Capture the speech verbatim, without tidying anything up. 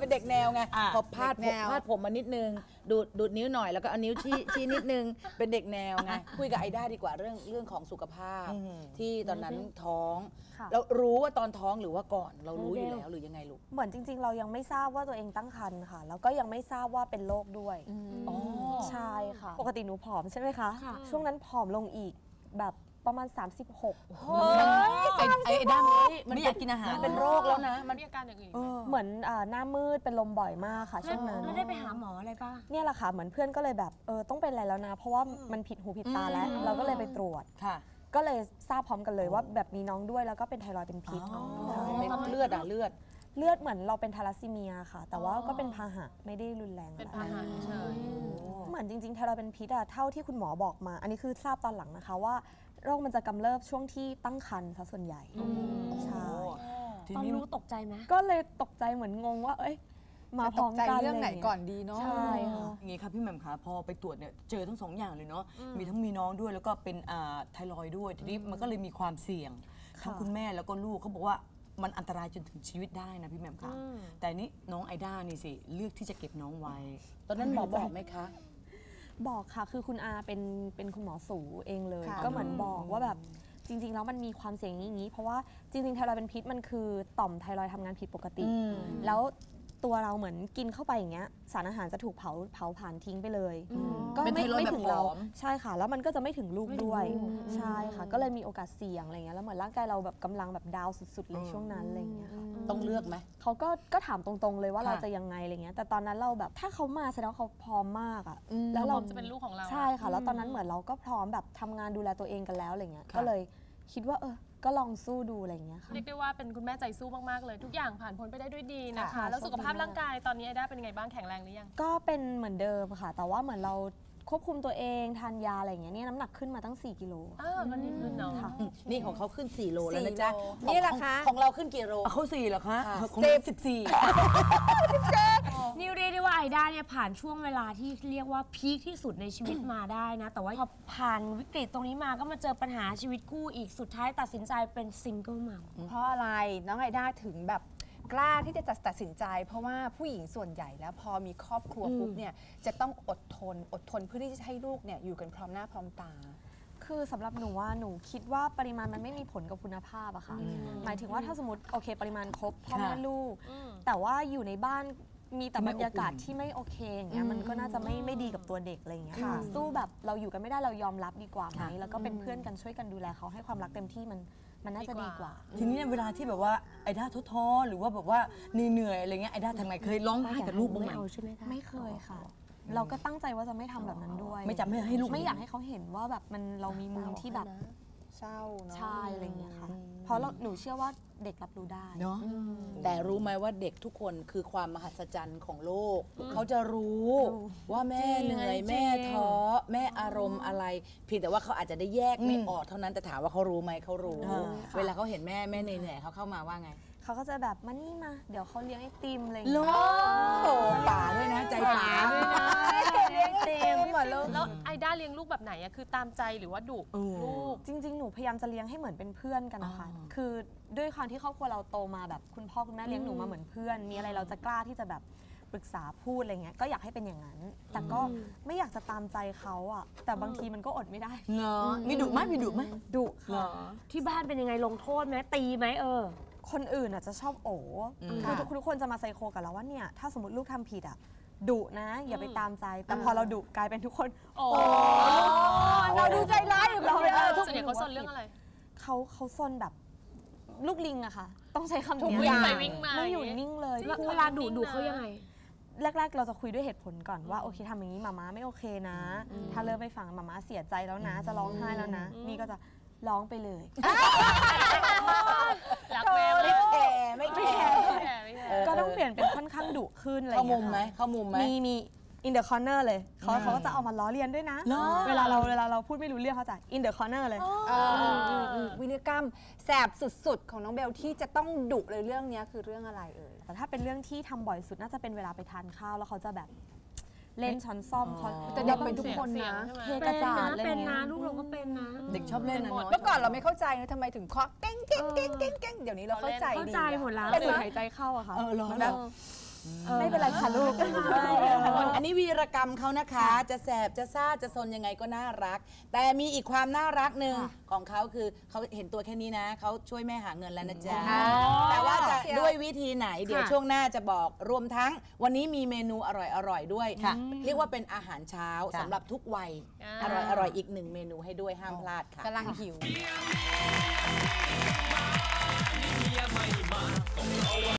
เป็นเด็กแนวไงพอพาดผมพาดผมมานิดนึงดูดดูดนิ้วหน่อยแล้วก็เอานิ้วชี้ชี้นิดนึงเป็นเด็กแนวไงคุยกับไอด้าดีกว่าเรื่องเรื่องของสุขภาพที่ตอนนั้นท้องแล้วรู้ว่าตอนท้องหรือว่าก่อนเรารู้อยู่แล้วหรือยังไงลูกเหมือนจริงๆเรายังไม่ทราบว่าตัวเองตั้งครรภ์ค่ะแล้วก็ยังไม่ทราบว่าเป็นโรคด้วยใช่ค่ะปกติหนูผอมใช่ไหมคะช่วงนั้นผอมลงอีกแบบประมาณสามสิบหกไอ้ด้ามมันไม่อยากกินอาหารเป็นโรคแล้วนะมันมีอาการอย่างอื่นเหมือนหน้ามืดเป็นลมบ่อยมากค่ะช่วงนั้นแล้วได้ไปหาหมออะไรป่ะเนี่ยแหละค่ะเหมือนเพื่อนก็เลยแบบเออต้องเป็นอะไรแล้วนะเพราะว่ามันผิดหูผิดตาแล้วเราก็เลยไปตรวจก็เลยทราบพร้อมกันเลยว่าแบบมีน้องด้วยแล้วก็เป็นไทรอยด์เป็นพิษเลือดอะเลือดเลือดเหมือนเราเป็นทาลัสซีเมียค่ะแต่ว่าก็เป็นพาหะไม่ได้รุนแรงอะไรเหมือนจริงๆไทรอยด์เป็นพิษอะเท่าที่คุณหมอบอกมาอันนี้คือทราบตอนหลังนะคะว่าโรคมันจะกำเริบช่วงที่ตั้งครรภ์ซะส่วนใหญ่ใช่ตอนรู้ตกใจไหมก็เลยตกใจเหมือนงงว่าเอ้ยมาพร้อมกันเรื่องไหนก่อนดีเนาะใช่ค่ะอย่างงี้ครับพี่แหม่มคะพอไปตรวจเนี่ยเจอทั้งสองอย่างเลยเนาะมีทั้งมีน้องด้วยแล้วก็เป็นไทรอยด์ด้วยทีนี้มันก็เลยมีความเสี่ยงทั้งคุณแม่แล้วก็ลูกเขาบอกว่ามันอันตรายจนถึงชีวิตได้นะพี่แหม่มคะแต่นี่น้องไอด้านี่สิเลือกที่จะเก็บน้องไว้ตอนนั้นหมอบอกไหมคะบอกค่ะคือคุณอาเป็นเป็นคุณหมอสูเองเลยก็เหมือนบอกว่าแบบจริงๆแล้วมันมีความเสี่ยงอย่างนี้เพราะว่าจริงๆไทรอยด์เป็นพิษมันคือต่อมไทรอยด์ทำงานผิดปกติแล้วตัวเราเหมือนกินเข้าไปอย่างเงี้ยสารอาหารจะถูกเผาเผาผ่านทิ้งไปเลยก็ไม่ไม่ถึงเราใช่ค่ะแล้วมันก็จะไม่ถึงลูกด้วยใช่ค่ะก็เลยมีโอกาสเสี่ยงอะไรเงี้ยแล้วเหมือนร่างกายเราแบบกำลังแบบดาวสุดๆเลยช่วงนั้นอะไรเงี้ยค่ะต้องเลือกไหมเขาก็ก็ถามตรงๆเลยว่าเราจะยังไงอะไรเงี้ยแต่ตอนนั้นเราแบบถ้าเขามาแสดงว่าเขาพร้อมมากอ่ะแล้วเราจะเป็นลูกของเราใช่ค่ะแล้วตอนนั้นเหมือนเราก็พร้อมแบบทำงานดูแลตัวเองกันแล้วอะไรเงี้ยก็เลยคิดว่าเออก็ลองสู้ดูอะไรอย่างเงี้ยค่ะเรียกได้ว่าเป็นคุณแม่ใจสู้มากๆเลยทุกอย่างผ่านพ้นไปได้ด้วยดีนะคะแล้วสุขภาพร่างกายตอนนี้ไอด้าเป็นยังไงบ้างแข็งแรงหรือยังก็เป็นเหมือนเดิมค่ะแต่ว่าเหมือนเราควบคุมตัวเองทานยาอะไรอย่างเงี้ยนี่น้ำหนักขึ้นมาตั้งสี่กิโลอ้าวก็ดีขึ้นเนาะนี่ของเขาขึ้นสี่โลแล้วนะจ๊ะนี่แหละคะของเราขึ้นกี่โลเขาสี่เหรอคะของสิบสี่นี่เรียกได้ว่าไอด้าเนี่ยผ่านช่วงเวลาที่เรียกว่าพีคที่สุดในชีวิตมาได้นะแต่ว่าพอผ่านวิกฤตตรงนี้มาก็มาเจอปัญหาชีวิตคู่อีกสุดท้ายตัดสินใจเป็นซิงเกิลมัมเพราะอะไรน้องไอด้าถึงแบบกล้าที่จะตัดสินใจเพราะว่าผู้หญิงส่วนใหญ่แล้วพอมีครอบครัวปุ๊บเนี่ยจะต้องอดทนอดทนเพื่อที่จะให้ลูกเนี่ยอยู่กันพร้อมหน้าพร้อมตาคือสำหรับหนูว่าหนูคิดว่าปริมาณมันไม่มีผลกับคุณภาพอะค่ะหมายถึงว่าถ้าสมมติโอเคปริมาณครบพ่อแม่ลูกแต่ว่าอยู่ในบ้านมีแต่บรรยากาศที่ไม่โอเคอย่างเงี้ยมันก็น่าจะไม่ไม่ดีกับตัวเด็กอะไรเงี้ยสู้แบบเราอยู่กันไม่ได้เรายอมรับดีกว่าไหมแล้วก็เป็นเพื่อนกันช่วยกันดูแลเขาให้ความรักเต็มที่มันมันน่าจะดีกว่าทีนี้เวลาที่แบบว่าไอด้าท้อหรือว่าแบบว่าเหนื่อยอะไรเงี้ยไอด้าทำไงเคยร้องไห้กับลูกบ้างไหมไม่เคยค่ะเราก็ตั้งใจว่าจะไม่ทำแบบนั้นด้วยไม่จำไม่ให้ลูกไม่อยากให้เขาเห็นว่าแบบมันเรามีมุมที่แบบเศร้าเนาะใช่อะไรเงี้ยค่ะเพราะหนูเชื่อว่าเด็กรับรู้ได้เนาะแต่รู้ไหมว่าเด็กทุกคนคือความมหัศจรรย์ของโลกเขาจะรู้ว่าแม่เหนื่อยแม่ท้อแม่อารมณ์อะไรเพียงแต่ว่าเขาอาจจะได้แยกไม่ออกเท่านั้นแต่ถามว่าเขารู้ไหมเขารู้เวลาเขาเห็นแม่แม่เหนื่อยเขาเข้ามาว่าไงเขาก็จะแบบมานี่มาเดี๋ยวเขาเลี้ยงไอติมอะไรอย่างเงี้ยป่าด้วยนะใจป่าด้วยนะเลี้ยงไอติมหมดเลยแล้วไอด้าเลี้ยงลูกแบบไหนอะคือตามใจหรือว่าดุลูกจริงๆหนูพยายามจะเลี้ยงให้เหมือนเป็นเพื่อนกันนะคะคือด้วยความที่ครอบครัวเราโตมาแบบคุณพ่อคุณแม่เลี้ยงหนูมาเหมือนเพื่อนมีอะไรเราจะกล้าที่จะแบบปรึกษาพูดอะไรเงี้ยก็อยากให้เป็นอย่างนั้นแต่ก็ไม่อยากจะตามใจเขาอะแต่บางทีมันก็อดไม่ได้เนาะมีดุไหมมีดุไหมดุค่ะที่บ้านเป็นยังไงลงโทษไหมตีไหมเออคนอื่นอ่ะจะชอบโอ๋คือทุกคนจะมาไซโคกับเราว่าเนี่ยถ้าสมมติลูกทำผิดอ่ะดุนะอย่าไปตามใจแต่พอเราดุกลายเป็นทุกคนโอ้เราดูใจร้ายอยู่เราเลยส่วนใหญ่เขาซนเรื่องอะไรเขาเขาซนแบบลูกลิงอะค่ะต้องใช้คำนี้วิ่งไปวิ่งมาไม่อยู่นิ่งเลยเวลาดุดุเขายังไงแรกๆเราจะคุยด้วยเหตุผลก่อนว่าโอเคทำอย่างนี้มาม่าไม่โอเคนะถ้าเริ่มไม่ฟังมาม่าเสียใจแล้วนะจะร้องไห้แล้วนะนี่ก็จะร้องไปเลยรักแม่ไม่แคร์ไม่แคร์ก็ต้องเปลี่ยนเป็นค่อนข้างดุขึ้นอะไรอย่างเงี้ยเข้ามุมไหมเข้ามุมไหมมีมี in the corner เลยเขาเขาก็จะเอามาล้อเลียนด้วยนะเวลาเราเวลาเราพูดไม่รู้เรื่องเขาจะ in the corner เลยวิรกรรมแสบสุดๆของน้องเบลที่จะต้องดุเลยเรื่องนี้คือเรื่องอะไรเอ่ยแต่ถ้าเป็นเรื่องที่ทำบ่อยสุดน่าจะเป็นเวลาไปทานข้าวแล้วเขาจะแบบเล่นช้อนซ่อมเขาแต่เด็กเป็นทุกคนนะเทกระจาดเป็นนะลูกเราก็เป็นนะเด็กชอบเล่นนะเมื่อก่อนเราไม่เข้าใจนะทำไมถึงเคาะเก้งเก้งเก้งเก้งเก้งเดี๋ยวนี้เราเข้าใจเข้าใจหมดแล้วเป็นสูดหายใจเข้าอะค่ะเออร้อนแบบไม่เป็นไรค่ะลูกอันนี้วีรกรรมเขานะคะ จะแสบจะซ่าจะซนยังไงก็น่ารัก แต่มีอีกความน่ารักหนึ่งของเขาคือเขาเห็นตัวแค่นี้นะเขาช่วยแม่หาเงินแล้วนะจ๊ะแต่ว่าจะด้วยวิธีไหนเดี๋ยวช่วงหน้าจะบอกรวมทั้งวันนี้มีเมนูอร่อยๆด้วยเรียกว่าเป็นอาหารเช้าสำหรับทุกวัยอร่อยๆอีกหนึ่งเมนูให้ด้วยห้ามพลาดค่ะกำลังหิว